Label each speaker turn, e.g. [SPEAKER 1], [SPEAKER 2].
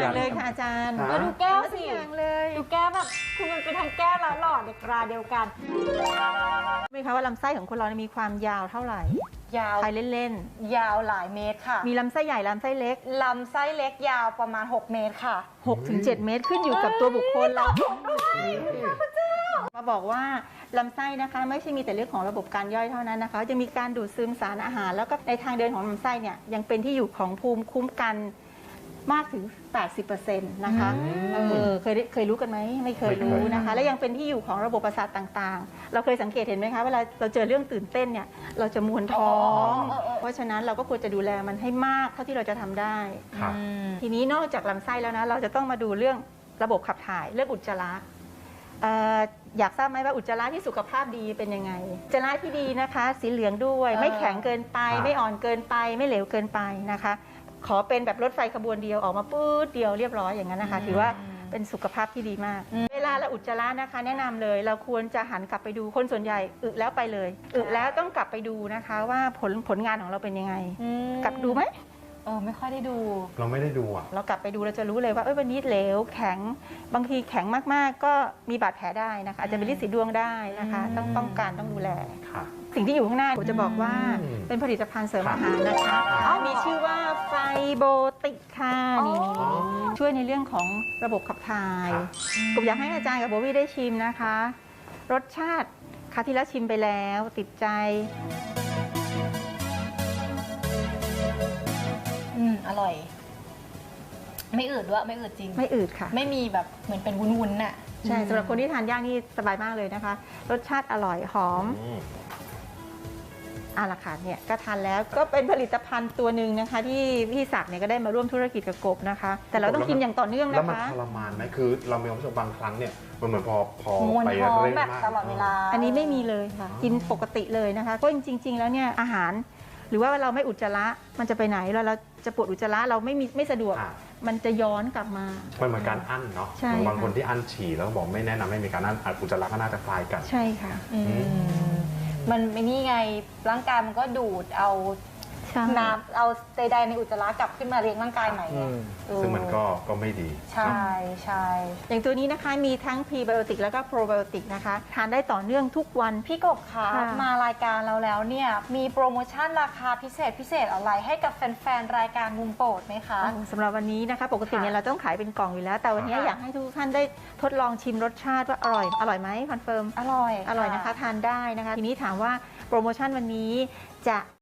[SPEAKER 1] อย่างเลยค่ะอาจารย์
[SPEAKER 2] มาดูแก้วสิ
[SPEAKER 1] อย่างเลย
[SPEAKER 2] ดูแก้วแบบคือมันเป็นทั้งแก้วและหลอดในกราเดียวกัน
[SPEAKER 1] ไหมคะว่าลำไส้ของคนเรามีความยาวเท่าไหร่
[SPEAKER 2] ยาว
[SPEAKER 1] ใครเล่น
[SPEAKER 2] ยาวหลายเมตรค่ะ
[SPEAKER 1] มีลำไส้ใหญ่ลำไส้เล็ก
[SPEAKER 2] ลำไส้เล็กยาวประมาณ6เมตรค่ะ
[SPEAKER 1] 6-7 เมตรขึ้นอยู่กับตัวบุคคลเรามาบอกว่าลำไส้นะคะไม่ใช่มีแต่เรื่องของระบบการย่อยเท่านั้นนะคะจะมีการดูดซึมสารอาหารแล้วก็ในทางเดินของลำไส้เนี่ยยังเป็นที่อยู่ของภูมิคุ้มกันมากถึง 80% นะคะเคยรู้กันไหมไม่เคยรู้นะคะและยังเป็นที่อยู่ของระบบประสาทต่างๆเราเคยสังเกตเห็นไหมคะเวลาเราเจอเรื่องตื่นเต้นเนี่ยเราจะมวนท้องเพราะฉะนั้นเราก็ควรจะดูแลมันให้มากเท่าที่เราจะทำได้ทีนี้นอกจากลำไส้แล้วนะเราจะต้องมาดูเรื่องระบบขับถ่ายเรื่องอุจจาระอยากทราบไหมว่าอุจจาระที่สุขภาพดีเป็นยังไงอุจจาระที่ดีนะคะสีเหลืองด้วยไม่แข็งเกินไปไม่อ่อนเกินไปไม่เหลวเกินไปนะคะขอเป็นแบบรถไฟขบวนเดียวออกมาปื๊ดเดียวเรียบร้อยอย่างนั้นนะคะถือว่าเป็นสุขภาพที่ดีมากเวลาเราอุจจาระนะคะแนะนำเลยเราควรจะหันกลับไปดูคนส่วนใหญ่อึแล้วไปเลยอึแล้วต้องกลับไปดูนะคะว่าผลงานของเราเป็นยังไงกลับดูไหม
[SPEAKER 2] ไม่ค่อยได้ดู
[SPEAKER 3] เราไม่ได้ดูอ่ะ
[SPEAKER 1] เรากลับไปดูเราจะรู้เลยว่าวันนี้เหลวแข็งบางทีแข็งมากๆก็มีบาดแผลได้นะคะอาจจะเป็นฤทธิ์สีดวงได้นะคะต้องป้องกันต้องดูแลสิ่งที่อยู่ข้างหน้าผมจะบอกว่าเป็นผลิตภัณฑ์เสริมอาหารนะคะมีชื่อว่าไฟโบติกค่ะนี่ช่วยในเรื่องของระบบขับถ่ายผมอยากให้อาจารย์กับโบวี่ได้ชิมนะคะรสชาติคราวที่แล้วชิมไปแล้วติดใจ
[SPEAKER 2] อร่อยไม่อืดด้วยไม่อืดจริง
[SPEAKER 1] ไม่อืดค่ะ
[SPEAKER 2] ไม่มีแบบเหมือนเป็นวุ้นๆน่ะ
[SPEAKER 1] ใช่สำหรับคนที่ทานย่างนี่สบายมากเลยนะคะรสชาติอร่อยหอมราคาเนี่ยก็ทานแล้วก็เป็นผลิตภัณฑ์ตัวหนึ่งนะคะที่พี่ศักดิ์เนี่ยก็ได้มาร่วมธุรกิจกับกบนะคะแต่เราต้องกินอย่างต่อเนื่องนะคะ
[SPEAKER 3] แล้วมันทรมานไหมคือเรามีความรู้สึกบางครั้งเนี่ยมันเหมือนพอไปเร่ง
[SPEAKER 2] มากตลอดเวลา
[SPEAKER 1] อันนี้ไม่มีเลยค่ะกินปกติเลยนะคะเพราะจริงๆแล้วเนี่ยอาหารหรือว่าเราไม่อุจจาระมันจะไปไหนเราจะปวดอุจจาระเราไม่สะดวกมันจะย้อนกลับมา
[SPEAKER 3] มันเหมือนการอั้นเนาะบางคนที่อั้นฉี่แล้วบอกไม่แนะนำให้มีการอั้นอุจจาระก็น่าจะคล้ายกัน
[SPEAKER 1] ใช่ค่ะ
[SPEAKER 2] มันไม่นี่ไงร่างกายมันก็ดูดเอาน้ำเอาใดๆในอุจจาระกลับขึ้นมาเลี้ยงร่างกายใหม่
[SPEAKER 3] ซึ่งมันก็ไม่ดี
[SPEAKER 2] ใช่
[SPEAKER 1] อย่างตัวนี้นะคะมีทั้งพรีไบโอติกแล้วก็โปรไบโอติกนะคะทานได้ต่อเนื่องทุกวัน
[SPEAKER 2] พี่กบคะมารายการเราแล้วเนี่ยมีโปรโมชั่นราคาพิเศษอะไรให้กับแฟนๆรายการมุมโปรดไหมคะ
[SPEAKER 1] สำหรับวันนี้นะคะปกติเนี่ยเราต้องขายเป็นกล่องอยู่แล้วแต่วันนี้อยากให้ทุกท่านได้ทดลองชิมรสชาติว่าอร่อยไหมคอนเฟิร์ม
[SPEAKER 2] อร่อย
[SPEAKER 1] นะคะทานได้นะคะทีนี้ถามว่าโปรโมชั่นวันนี้จะ